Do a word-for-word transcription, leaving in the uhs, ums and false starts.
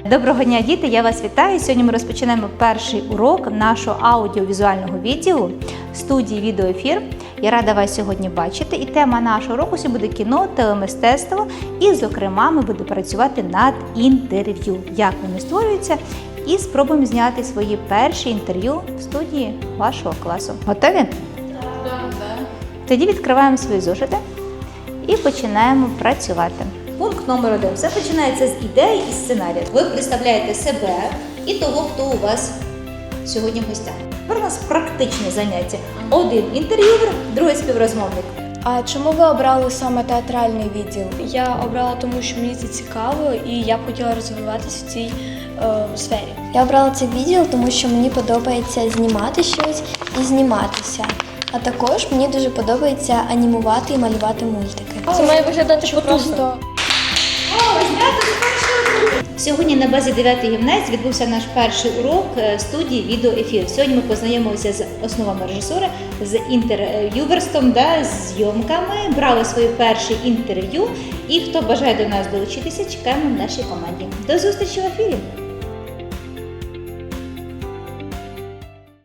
Доброго дня, діти! Я вас вітаю! Сьогодні ми розпочинаємо перший урок нашого аудіовізуального відділу студії «Відеоефір». Я рада вас сьогодні бачити. І тема нашого уроку сьогодні буде кіно, телемистецтво. І, зокрема, ми будемо працювати над інтерв'ю. Як вони створюються. І спробуємо зняти свої перші інтерв'ю в студії вашого класу. Готові? Так. Так. Тоді відкриваємо свої зошити і починаємо працювати. Пункт номер один. Все починається з ідеї і сценарію. Ви представляєте себе і того, хто у вас сьогодні в гостях. Тепер у нас практичне заняття. Один інтерв'юер, другий співрозмовник. А чому ви обрали саме театральний відділ? Я обрала тому, що мені це цікаво і я б хотіла розвиватися в цій е, сфері. Я обрала цей відділ, тому що мені подобається знімати щось і зніматися. А також мені дуже подобається анімувати і малювати мультики. Це має виглядати що просто. Сьогодні на базі дев'ятої гімназії відбувся наш перший урок студії «Відеоефір». Сьогодні ми познайомилися з основами режисури, з інтерв'юверством, да, з зйомками, брали своє перше інтерв'ю. І хто бажає до нас долучитися, чекаємо в нашій команді. До зустрічі в ефірі!